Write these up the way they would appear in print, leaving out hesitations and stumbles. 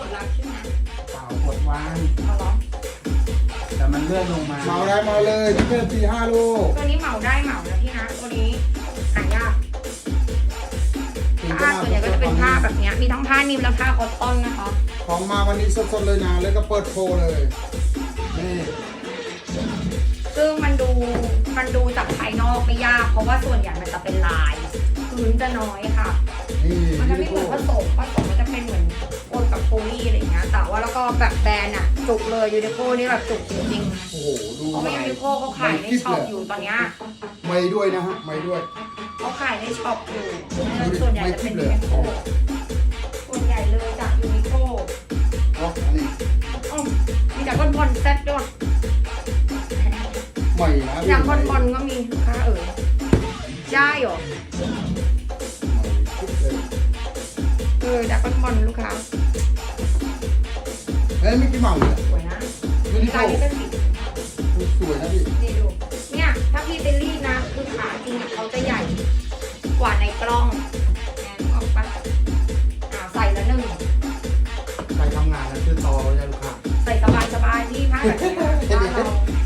ดรับใช่ไหมเปล่ากดวางเอาเหรอแต่มันเลื่อนลงมาเหมาได้มาเลยที่เป็น4-5 ลูกตัวนี้เหมาได้เหมานะพี่นะตัวนี้หายากผ้าส่วนใหญ่ก็จะเป็นผ้าแบบนี้มีทั้งผ้านิ่มและผ้าคอตตอนนะคะของมาวันนี้สดๆเลยนะแล้วก็เปิดโชว์เลยนี่ซึ่งมันดูจากภายนอกไม่ยากเพราะว่าส่วนใหญ่มันจะเป็นลายพื้นจะน้อยค่ะนี่มันจะไม่เหมือนผสมมันจะเป็นเหมือนโอนกับโพลีอะไรอย่างเงี้ยแต่ว่าแล้วก็แบบแบรนด์อะจุกเลยยูนิโคนี่แบบจุกจริงโอ้โหดูๆเพราะว่ายูนิโคเขาขายในช็อปอยู่ตอนเนี้ยไม่ด้วยนะฮะไม่ด้วยเขาขายในช็อปอยู่ส่วนใหญ่จะเป็นยูนิโคส่วนใหญ่เลยจากยูนิโคอ๋ออันนี้อ๋อมีจากก้นบอลเซ็ตด้วยใหม่นะจากก้นบอลก็มีลูกค้าได้เหรอจากก้นบอลลูกค้าเอ้ยมิกกี้เมาส์เลยสวยนะมิกกี้ลาเมายนี้ก็สีสวยนะพี่นี่ดูเนี่ยถ้าพี่เตลลี่นะคือขาจริงเขาจะใหญ่กว่าในกล้องแอนออกปะใส่ละหนึ่งใครทำงานนะคือต่อเลยลูกค้าใส่สบายพี่ผ้าแบบนี้บ้านเรา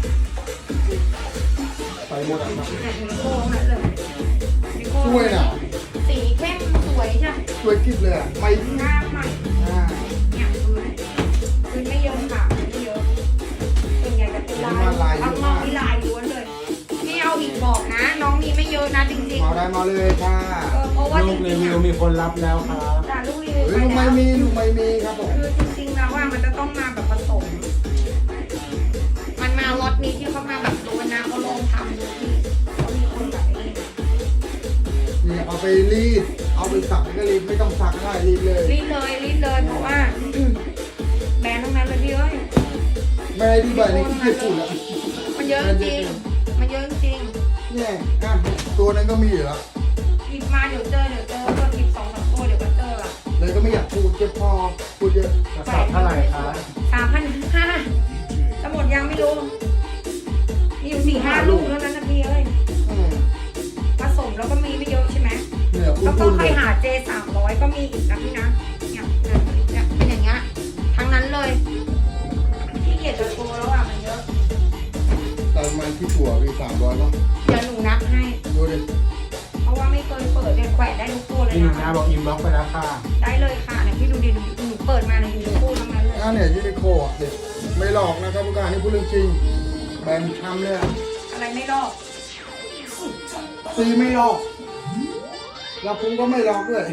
ใส่หมดอ่ะครับเนี่ยมีโค้งนั่นเลยมีโค้งสวยนะสีเข้มสวยใช่ไหมสวยกิ๊บเลยอ่ะไม่หน้าใหม่อ่าเนี่ยคือไม่เยอะค่ะไม่เยอะส่วนใหญ่จะเป็นลายเอาน้องมีลายล้วนเลยไม่เอาอีกบอกนะ น้องมีไม่เยอะนะจริงเมาได้มาเลยค่ะๆเพราะว่าจลูกรีริงๆวิวมีคนรับแล้วครับแต่ลูกรีวิวเฮ้ยไปลูกไม่แล้วมีลูกไม่มีครับผมคือจริงๆแล้วว่ามันจะต้องมาแบบผสม มันมาล็อตนี้ที่เขามาแบบดูนะเขาลองทำดูที่เขามีคนแบบนี้นี่เอาไปรีดเอาไปสักก็รีดไม่ต้องสักก็ได้รีดเลยรีดเลยเพราะว่าแบรนด์ทั้งนั้นเลยพี่เอ้ยไม่ให้ดูใบในที่เกียจพูดแล้วมันเยอะจริงมันเยอะจริงเนี่ยอ่ะตัวนั้นก็มีอยู่แล้วหยิบมาเดี๋ยวเจอก็หยิบ2-3ตัวเดี๋ยวก็เจอละเลยก็ไม่อยากพูดเจ็บคอพูดเยอะกระสอบเท่าไหร่ครับ 3,500จะหมดยังไม่รู้มีอยู่4-5 ลูกแล้วนั้นนะพี่เอ้ยอืมผสมแล้วก็มีไม่เยอะใช่ไหมเนี่ยพูแล้วก็ดใคเลรยหาเจ300ก็มีอีกนะพี่นะเนี่ยเป็นอย่างเงี้ยทั้งนั้นเลยที่เกียรจะโชว์แล้วอ่ะมันเยอะแต่มันที่ตัวมี300เนาะเดี๋ยวหนูนับให้ดูดิเพราะว่าไม่เคยเปิดเนี่ยแขวนได้ทุกตัวเลยพี่หนุ่มนะนะบอกอินบ็อกซ์ไปแล้วค่ะได้เลยค่ะเนี่ยพี่ดูดิหนูเปิดมาในยูทูบทั้งนั้นเลยอ่ะเนี่ยยูนิโคอ่ะเด็กไม่หลอกนะครับผู้การนี่พูดเรื่องจริงแบรนด์ช้ำเลยอ่ะอะไรไม่ลอกซีไม่หลอกแล้วพุงก็ไม่หลอกด้วย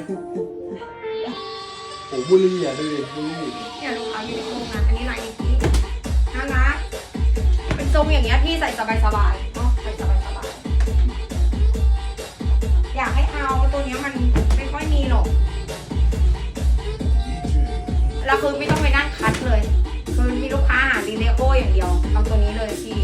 โอ้บุรีอ่ะดูดิบุรีเนี่ยลูกค้าอยู่ในโครงงานอันนี้ลายนี้น่ารักเป็นทรงอย่างเงี้ยพี่ใส่สบายๆเนาะใส่สบายๆอยากให้เอาตัวเนี้ยมันไม่ค่อยมีหรอกแล้วคือไม่ต้องไปนั่งคัดเลยคือมีลูกค้าหาดีเลโออย่างเดียวเอาตัวนี้เลยพี่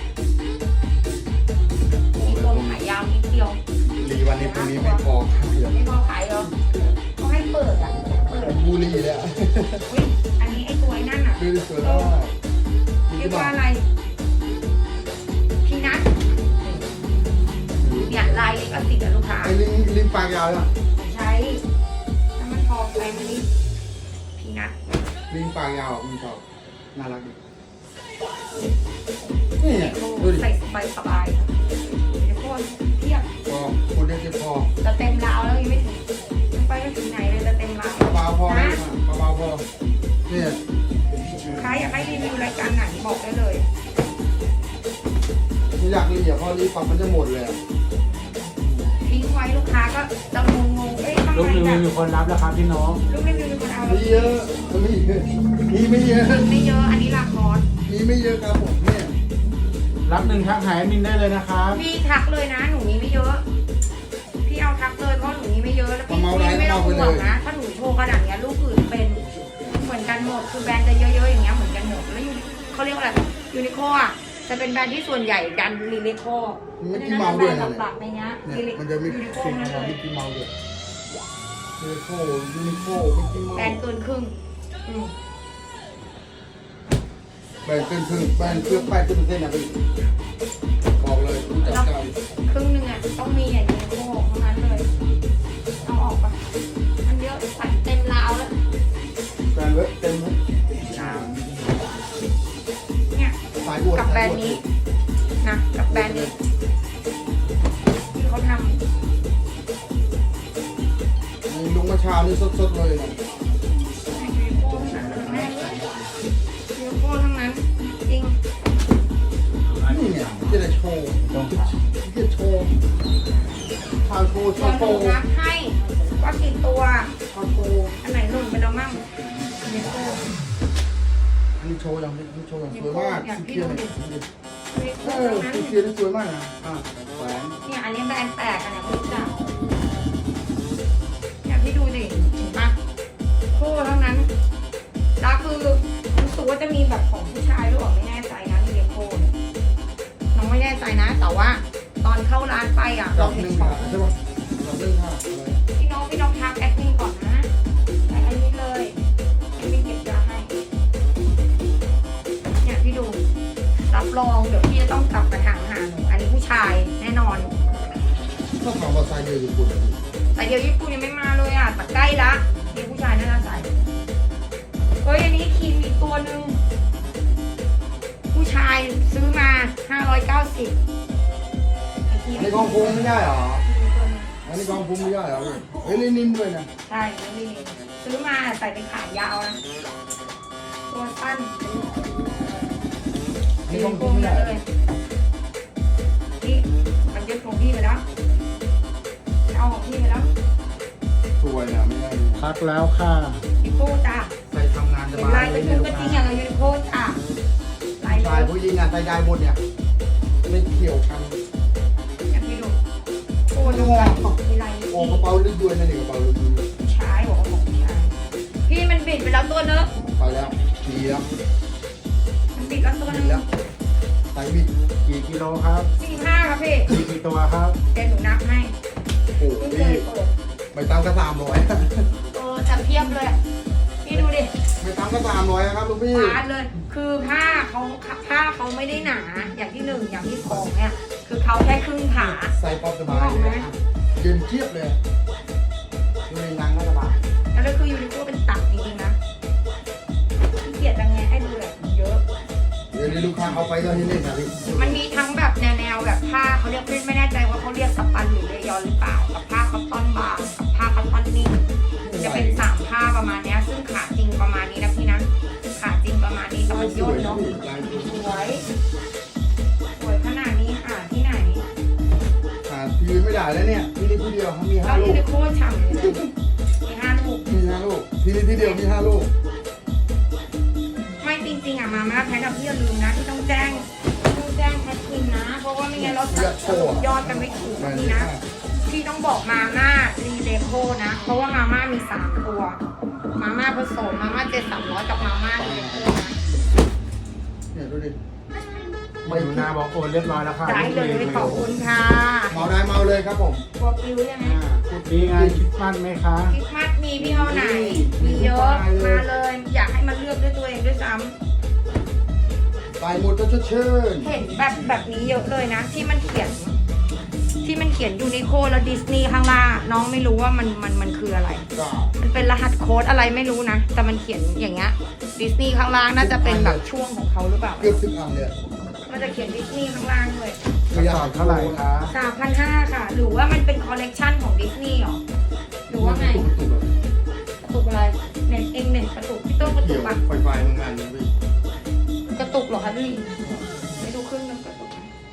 มีตัวขายยาวนิดเดียวรีวันนี้ตรงนี้ไม่พอครับเดี๋ยวไม่พอขายเหรอเขาให้เปิดอ่ะเปิดบุรีเลยอ่ะอุ้ยอันนี้ไอ้ตัวไอ้นั่นอ่ะดูดิสวยมากมีเรียที่กบ้าว่าน อะไรพีนัทเนี่ยลายลิขสิทธิ์อะลูกค้าไอ้ลิงปากยาวอ่ะใช้น้ำมันทองอะไรไม่รู้พีนัทลิงปากยาวมันชอบน่ารักดีนี่ไงดูดิใส่สบายเดี๋ยวพวกเทียบพอพูดได้แค่พอจะเต็มราวแล้วยังไม่ถึงยังไปไม่ถึงไหนเลยจะเต็มราวเบาๆพอนะเบาๆพอเนี่ยใครอยากให้รีวิวรายการไหนบอกได้เลยไม่อยากรีบพอรีบปั๊บมันจะหมดเลยทิ้งไว้ลูกค้าก็จะงงๆเอ๊ะทำลูกไมรีแบวิวบมีคนรับแล้วครับพี่น้องลูกรีวิวมีคนเอามีเยอะมีไม่เยอะไม่เยอะอันนี้ราคอร์สมีไม่เยอะครับผมเนี่ยรับหนึ่งทักหายมินได้เลยนะครับพี่ทักเลยนะหนูมีไม่เยอะพี่เอาทักเลยเพราะหนูมีไม่เยอะแล้วพี่ไม่ต้องห่วงนะถ้าหนูโชว์ขนาดเนี้ยลูกอื่นเป็นเหมือนกันหมดคือแบรนด์จะเยอะๆอย่างเงี้ยเหมือนกันหมดแล้วเขาเรียกว่าอะไรยูนิโคอ่ะจะเป็นแบรนด์ที่ส่วนใหญ่ดันรีเลโคมิกกี้เมาส์ด้วยนะหลักๆในเนี้ยเนี่ยมันจะมียูนิโคสิ่งนั่นขเลองยมิกกี้เมาส์ด้วยยูนิโคมิกกี้เมาแบรนด์ส์เกินครึ่งแบรนด์เกินครึ่งแบรนด์เครื่องป้ายเป็นเส้นอ่ะพี่บอกเลยคุณจัดการครึ่งหนึ่งอ่ะต้องมีอย่างยูนิโคเท่านั้นเลยเอาออกปะมันเยอะใส่เต็มราวแล้วแบรนด์เว็บเต็มเลยเนี่ยสายบวชกับแบรนด์นี้นะกับแบรนด์นี้ที่เขาทำมีลุงมาเช้านี่สดๆเลยนะยูนิโคทั้งนั้นแม่ยูนิโคทั้งนั้นจริงนี่เนี่ยจะได้โชว์จะโชว์ทางโชว์เดี๋ยวหโชนูว์นับให้ว่ากี่ตัวทางโชว์อันไหนหล่นไปแล้วมั่งยูนิโคอันนี้โชว์อย่างนี้โชว์อย่างสวยมากสีเขียวเนี่ยยูนิโคเออทั้งนั้นสีเขียวนี่สวยมากนะแหวนเนี่ยอันนี้แบรนด์แปลกอันไหนไม่รู้จักเนี่ยพี่ดูดิเห็นปะโคทั้งนั้นแล้วคือรู้สึกว่าจะมีแบบของผู้ชายหรือเปล่าไม่แน่ใจนะยูนิโคเนี่ยน้องไม่แน่ใจนะ แต่ว่าตอนเข้าร้านไปอ่ะดเราอกหเห็นนึ่งขอค่ะงใช่ปะดอกหนึ่งค่ะอะไรพี่น้องทักแอดมินก่อนนะแต่อันนี้เลยแอดมินเก็บยาให้เนี่ยพี่ดูรับรองเดี๋ยวพี่จะต้องกลับมาถามหาหนูอันนี้ผู้ชายแน่นอนก็ถามว่าไซส์เดียวญี่ปุ่นแต่เดี๋ยวญี่ปุ่นยังไม่มาเลยอ่ะแต่ใกล้ละนี่ผู้ชายน่าจะใส่เฮ้ยอันนี้ครีมอีกตัวหนึ่งผู้ชายซื้อมา590ไอ้ครีมอันนี้กองพุงไม่ได้เหรอครีมตัวหนึงอันนี้กองพุงไม่ได้เหรอเฮ้ยนิ่มด้วยนะใช่นี่ซื้อมาใส่เป็นขายาวนะตัวสั้นอันนี้กองพุงไม่ได้เลยนี่มันยึดของพี่ไปแล้วเอาของพี่ไปแล้วสวยนะไม่ได้พักแล้วค่ะยูนิโคจ้าใส่ทำงานสเห็นบาลาย ยเลเป็ยนเนี่ยกลูระกทิงค้าอย่างกับยูนิโคจ้าลายชายผู้หญิงงานใส่ได้หมดเนี่ยไม่เกี่ยวกันอย่างพี่ดูโอ้ดูมีลายโอ้กระเป๋าลึกด้วยนะนี่กระเป๋าลึกด้วยชายบอกว่าของชายพี่มันบิดไปแล้วตัวนึงไปแล้วดีแล้วมันบิดแล้วตัวนึดีงแล้วใส่บิดกี่กิโลครับ 45ครับพี่มีกี่ตัวครับเดี๋ยวหนูนับให้โอ้เพิ่งเคพี่ยเปิดไม่ตั้งก็300 จะเพียบเลยพี่ดูดิไม่ตั้งก็300ครับลูกพี่ฟาดเลย คือผ้าเขาไม่ได้หนา อย่างที่หนึ่งอย่างที่สองเนี่ย คือเขาแค่ครึ่งขาใส่ป๊อปสบายเลยเย็นเทียบเลยดูในนังก็สบายแล้วคือยูนิโคเป็นตับจริงๆนะขี้เกียจจังไงให้ดูแบบเยอะเดี๋ยวนี้ลูกค้าเอาไปก็ให้เล่นนะพี่มันมีทั้งแบบแนวแบบผ้าเขาเรียกไม่แน่ใจว่าเขาเรียกสปันหรือเลยอนหรือเปล่า กับผ้าคอตตอนบางกับผ้าคอตตอนนิ่มจะเป็น3ผ้าประมาณเนี้ย ซึ่งขาจริงประมาณนี้นะพี่นะขาจริงประมาณนี้แต่มันย่นเนาะสวยสวยขนาดนี้หาที่ไหนหาทีไม่ได้แล้วเนี่ยที่นี่ที่เดียวมีแล้ว 5 ลูยูกนิโคฉ่ำเลยมี5 ลูกมี5 ลูกที่นี่ที่เดียวมี5 ลูกไม่จริงๆอ่ะมาม่าแพ็คกับพี่อย่าลืมนะที่ต้องแจ้งแพ็คกินนะ เพราะว่าไม่งั้นเราจะสรุปยอดกันไม่ถูกนี่นะพี่ต้องบอกมาม่ารีเลโคนะ เพราะว่ามาม่ามี3 ตัวมาม่าผสมมาม่า7-300กับมาม่ารีเลโคนะเนี่ยดูดิมาอยู่นาบอกโอนเรียบร้อยแล้วค่ะได้เลยขอบคุณค่ะเมาได้เมาเลยครับผมตัวปิวยังไงดีงานคริดมันไหมคะคริสต์มาสมีพี่เอาไหน มีเยอะมาเลย อยากให้มันเลือกด้วยตัวเองด้วยซ้ำไปหมดก็ชดเชยเห็นแบบนี้เยอะเลยนะ ที่มันเขียนยูนิโคแล้วดิสนีย์ข้างล่างน้องไม่รู้ว่ามันคืออะไรก็มันเป็นรหัสโค้ดอะไรไม่รู้นะ แต่มันเขียนอย่างเงี้ยดิสนีย์ข้างล่างน่าจะเป็นแบบช่วงของเขาหรือเปล่าเกือบถึงอันเลยมันจะเขียนดิสนีย์ข้างล่างด้วยกระสอบเท่าไหร่คะ 3,500ค่ะ หรือว่ามันเป็นคอลเลกชันของดิสนีย์หรอหรือว่าไงกระตุกอะไรเน็ตเองเน็ตกระตุกพี่ต้นกระตุเกี่กยวปะไฟไฟโรงงานนี่พี่กระตุกเหรอคะพี่ไม่ดูครึ่งนึงกระตุก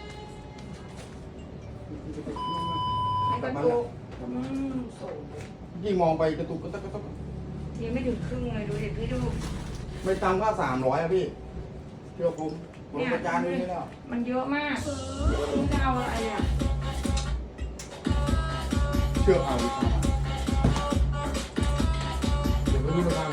ไม่กระตุกสูงยิ่งมองไปกระตุกก็ต้องยังไม่ถึงครึ่งเลยดูดิพี่ดูไม่ตามค่า300อ่ะพี่เชื่อผมประจานดูนี่แล้วมันเยอะมากคุณจะเอาอะไรอ่ะเชื่อเอาดีกว่าเดี๋ยวไปดูราคา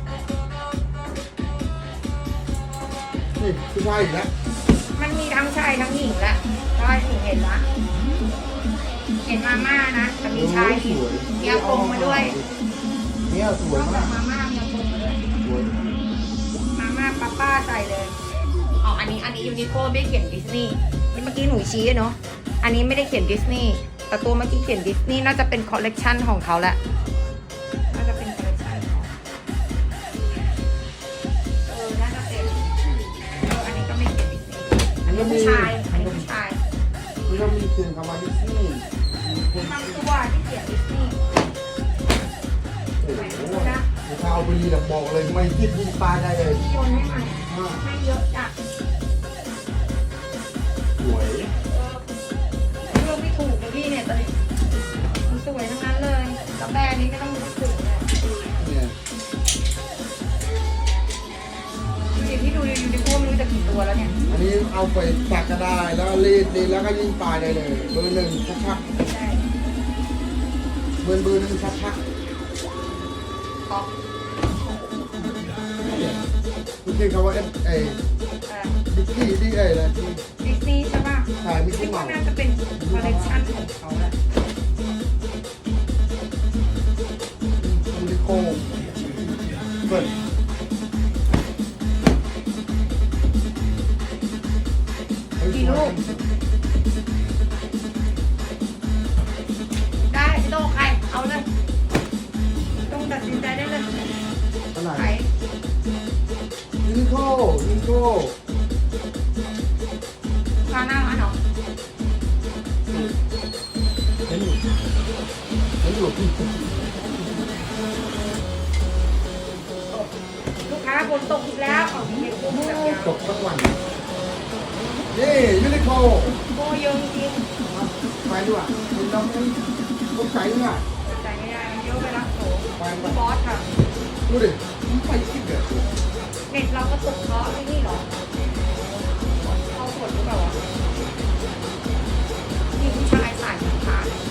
นี่ผู้ชายอีกแล้วมันมีทั้งชายทั้งหญิงแหละใช่หนูเห็นละเห็นมาม่านะแต่มีชายอีกมีอากงมาด้วยเนี่ยสวยนอกจามากมาม่ามีอากงมาด้วยสวยมาม่าป้าใส่เลยอ๋ออันนี้ยูนิโคไม่ได้เขียนดิสนีย์เมื่อกี้หนูชี้เนาะอันนี้ไม่ได้เขียนดิสนีย์แต่ตัวเมื่อกี้เขียนดิสนีย์น่าจะเป็นคอลเลกชันของเขาแหละน่าจะเป็นคอลเลกชันของเขาคำว่าดิสนีย์คนบางตัวที่เขียนดิสนีย์โอ้โหถ้าเอาไปรีดับบอกเลยไม่คิดยิงปลาได้เลยที่โยนให้มันให้เยอะจ้ะสวยเลือกไม่ถูกเลยพี่เนี่ยตอนนี้มันสวยทั้งนั้นเลยกาแฟนี้ไม่ต้องพูดถึงเลยเนี่ยดูดิพี่ดูดิพวกมันจะกี่ตัวแล้วเนี่ยอันนี้เอาไปตักก็ได้แล้วรีดแล้วก็ยิงปลาได้เลยเบอร์หนึ่งชักใช่ๆเบอร์หนึ่งชักท็อปๆนี่คือคำว่าไอ้ ดิสนีย์ที่ไอ้นะดิสนีย์ใช่ป่ะถ่ายมิกกี้คิดเมาว่าส์น่าจะเป็นคอลเลกชันของเขาแหละยูนิโคเปิดกี่ลูกได้พี่โต้ใครเอาเลยต้องตัดสินใจได้เลยเท่าไหร่ใครยูนิโคพาหน้ามาเนาะเห็นอยู่พี่ลูกค้าฝนตกอีกแล้วอ๋อมีเด็กกุ้งแบบยาวตกสักวันนี่ยูนิโคโบเยอะจริงไปด้วยเห็นเราไม่ต้องใส่เนี่ยใจไม่ได้เยอะไปละโถไปบอสค่ะดูดิมันไปคิดเด็ดเน็ตเราก็ตกเพราะนี่หรอเขาฝนหรือเปล่าวะมีผู้ชายใส่ขา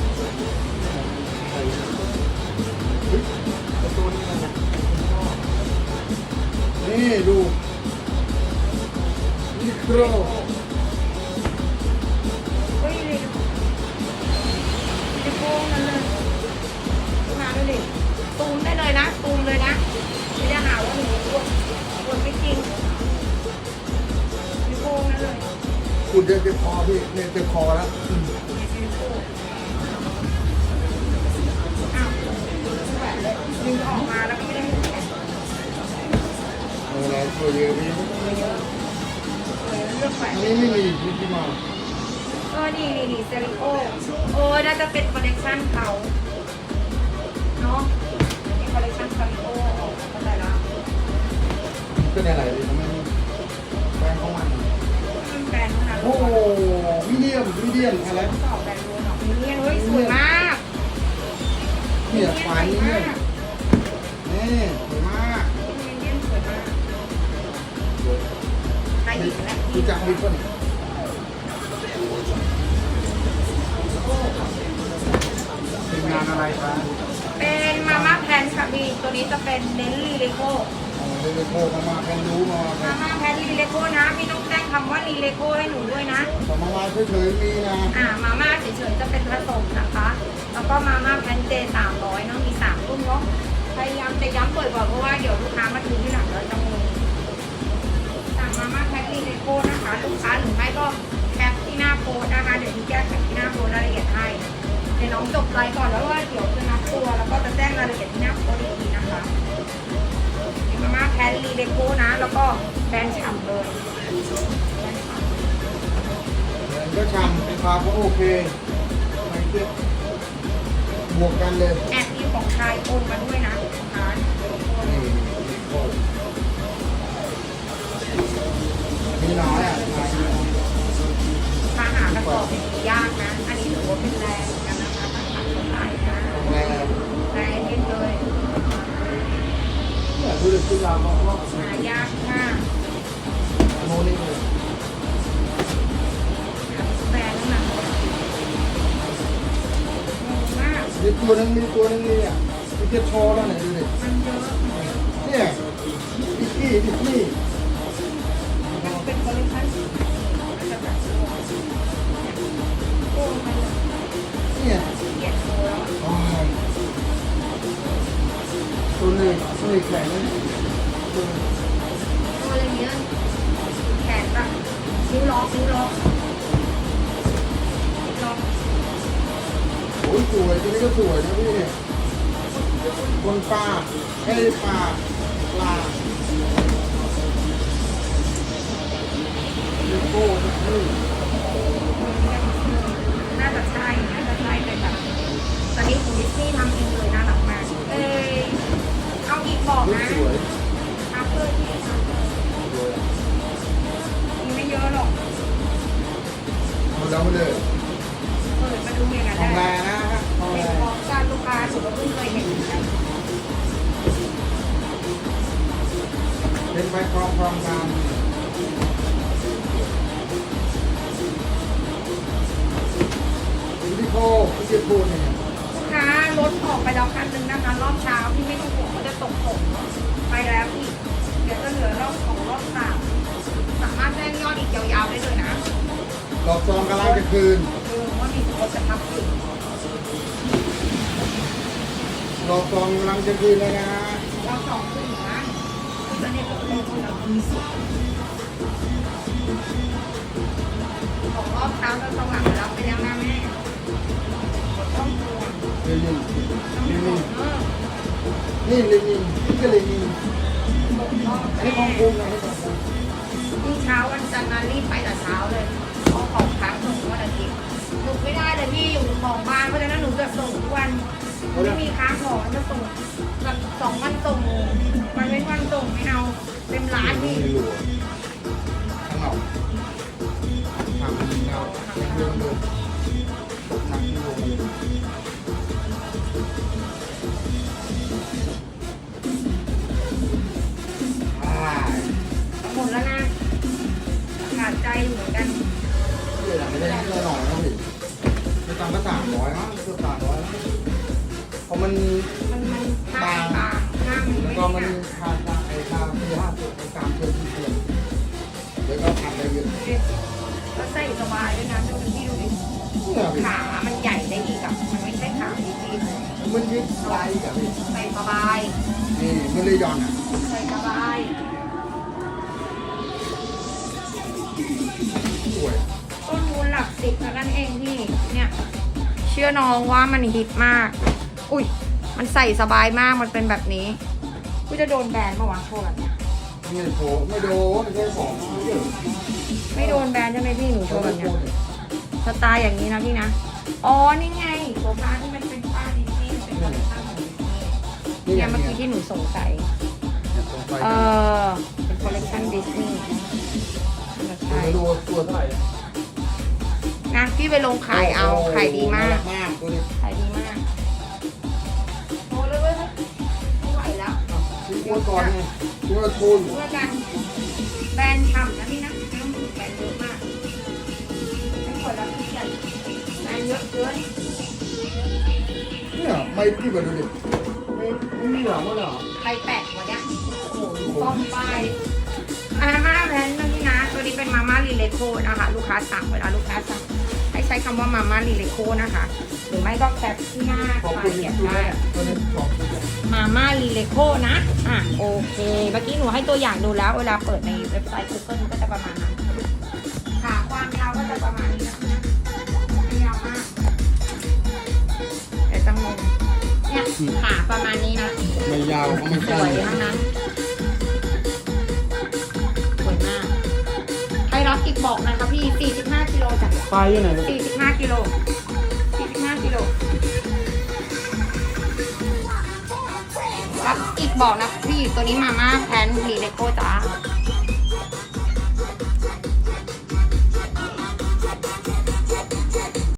ตัวนี้มันนี่ดูยูนิโคเฮ้ยเลยจะโกงนั่นเลยมาด้วยดิตูมได้เลยนะตูมเลยนะไม่ได้หาว่าหนูกดไม่จริงจะโกงนั่นเลยคุณเดินเจ็บคอพี่เนี่ยเจ็บคอแล้วอ้าวดึงออกมาแล้วก็ไม่ได้ให้แขนอะไรตัวเยอะพี่เลือกแขวนอันนี้ไม่มีมิกกี้เมาส์นี่เซริโอน่าจะเป็นคอลเลกชันเขาเนาะมีคอลเลกชันเซริโอเข้าใจแล้วเป็นอะไรเลยทำไมแบรนด์ของมันมันแบรนด์เท่านั้นโอ้มีเดียมอะไรสอบแบรนด์รู้เนาะมีเนี่ยเฮ้ยสวยมากเนี่ยไฟเนี่ยนี่สวยมากมีเนี่ยสวยมากใครอีกแล้วรู้จักมีคนเป็นงานอะไรคะเป็นมาม่าแพนค่ะพี่ตัวนี้จะเป็นเน้นลีเลโก้เลยโทรมากันรู้มามาม่าแพนลีเลโก้นะพี่ต้องแจ้งคำว่าลีเลโก้ให้หนูด้วยนะแต่มาว่าเฉยๆมีนะมาม่าเฉยๆจะเป็นผสมนะคะ แล้วก็มาม่าแพนเจ300เนาะมี3รุ่นเนาะพยายามจะย้ำบ่อยๆเพราะว่าเดี๋ยวลูกค้ามาดูที่หลังแล้วจะงงสั่งมาม่าแพนลีเลโก้นะคะลูกค้าหรือไม่ก็แคปที่หน้าโพสนะคะเดี๋ยวพี่แก้ไขที่หน้าโพสรายละเอียดให้เดี๋ยวน้องจบไลฟ์ก่อนแล้วว่าเดี๋ยวจะนับตัวแล้วก็จะแจ้งรายละเอียดที่หน้าโพสอีกทีนะคะมาม่าแพนลีเลโก้นะ แล้วก็แบรนด์ฉ่ำเลยแบรนด์ฉ่ำก็ชำราคาก็โอเคไม่เทียบบวกกันเลยแอบมีของชายโอนมาด้วยนะร้านนี่มีน้อยอ่ะถ้าหากระสอบยากนะ อันนี้ถือว่าเป็นแรงเหมือนกันนะคะถ้าหาคนขายนะแรงแรงเย็นเลยเนี่ยดูดิคุณเราบอกว่าหายากมากโมนี่เลยแบรนด์นั่นนะงงมากมีตัวนึงนี่อ่ะที่จะโชว์แล้วเนี่ยดูดิมันเยอะเนี่ยดิสนีย์มันเป็นคอลเลคชันมันจะแบบโอ้มันเนี่ยเกลียดโตแล้วอะอ๋อตัวนี้แข็งนะตัวอะไรเงี้ยแขนแบบนิ้วล็อกล็อกโอ้ยสวยตัวนี้ก็สวยนะพี่เนี่ยคนปลาไอ้ปลาเลโก้นี่น่าจะตอนนี้คุณดิสนีย์ทำเองเลยน่ารักมากเอาอีกบอกรูปนะสวยทักเลยที่ทักเลยสวยมีไม่เยอะหรอกเอาแล้วไปเลยเปิดมาดูอย่างนั้นทองแรได้นะทองแรเป็นของการลูกค้าสุดก็เพิ่งเคยเห็นเหมือนกันเป็นไฟครองการวิดีโอที่จะพูดเนี่ยลูกค้ารถออกไปแล้วคันหนึ่งนะคะ รอบเช้าที่ไม่ต้องห่วงว่าจะตกไปแล้วอีกเดี๋ยวจะเหลือรอบ2รอบ3สามารถแจ้งยอดอีกยาวๆได้เลยนะดอกซองกำลังจะคืนว่ามีคนจะทำอีกดอกซองกำลังจะคืนเลยนะรอบ2ขึ้นนะคือตอนนี้ผมเป็นคนเรามีสิทธิ์ของรอบเช้าเราสว่างรับไปแล้วนะแม่ต้องกลัวเลนินต้องกลัวนี่เลนินนี่ก็เลนินอันนี้ของคุณนะให้ของคุณยิ่งเช้าวันจันทร์นะรีบไปแต่เช้าเลยเพราะของค้างส่งวันอาทิตย์หนูไม่ได้เลยพี่อยู่ของบ้านเพราะฉะนั้นหนูจะส่งทุกวันไม่มีค้างของจะส่งแบบ2 วันส่งวันเว้นวันส่งไม่เอาเต็มร้านพี่ไม่รู้ข้างนอกทำเป็นเงาเรื่องเดิมตกหนักที่ลงเลยหมดแล้วนะขาดใจอยู่เหมือนกันเดี๋ยวไม่ได้เพื่อหน่อยนะพี่ไม่ตังก็300มั้งเกือบ300เพราะมันหน้าตาหน้ามันแล้วไม่ก็ได้มันนะคาไอ้คาที่5ตัวตามเชิญที่เพื่อนแล้วก็ทำได้เยอะแล้วใส่สบายด้วยนะดูพี่ดูดิเนี่ยพี่ขามันใหญ่ได้อีกอ่ะมันไม่ใช่ขาดีมันยึดลายกับพี่ๆใส่สบายนี่มันเลยย้อนอ่ะใส่สบายสวยต้นทุนหลัก10เท่านั้นเองพี่เนี่ยเชื่อน้องว่ามันฮิตมากอุ้ยมันใส่สบายมากมันเป็นแบบนี้กูจะโดนแบนเมื่อวานโทษแบบเนี้ยไม่โผล่ไม่โดนแค่ของเยอะไม่โดนแบนใช่ไหมพี่หนูโชว์แบบเนี้ยสไตล์อย่างนี้นะพี่นะอ๋อนี่ไงโซฟาที่มันเป็นป้าดิสนีย์เป็นคอลเลคชั่นของดิสนีย์เนี่ยเมื่อกี้ที่หนูสงสัยเป็นคอลเลคชันดิสนีย์ใช่ดูตัวเท่าไหร่นะพี่ไปลงขายเอาขายดีมากมากตัวนี้ขายดีมากโอ้เลยเว้ยไม่ไหวแล้วซื้อตัวก่อนไงตัวละทุนเพื่อกันแบรนด์ฉ่ำนะพี่นะไม่ต้องถึงแบรนด์เยอะมากไม่ควรแล้วพี่ใหญ่แบรนด์เยอะเกินเนี่ยไม่พี่มาดูดิไม่มีหรอมั้งเหรอใครแปะวะเนี่ยโอ้โหป้อมป้ายมาม่าแบรนด์นะพี่นะตัวนี้เป็นมาม่าลีเลโคนะคะลูกค้าสั่งเวลาลูกค้าสั่งให้ใช้คำว่ามาม่าลีเลโคนะคะหรือไม่ก็แคปที่หน้าขอบคลาคุยณเก็บที่ได้ตัวนี้ขอบคุณมาม่าลีเลโคนะโอเคเมื่อกี้หนูให้ตัวอย่างดูแล้วเวลาเปิดในเว็บไซต์ Google ก็จะประมาณนั้นขาความยาวก็จะประมาณนี้นะไม่ยาวมากเดี๋ยวจะงงเนี่ยขาประมาณนี้นะไม่ยาวก็ไม่สสั้วยนทั้งนั้นสวยมากใครรับอีกบอกนะคะพี่45กิโลจ้ะปลายอยู่ไหน 45กิโล45กิโลรับอีกบอกนะพี่ตัวนี้มาม่าแพนลีเลโก้จ้า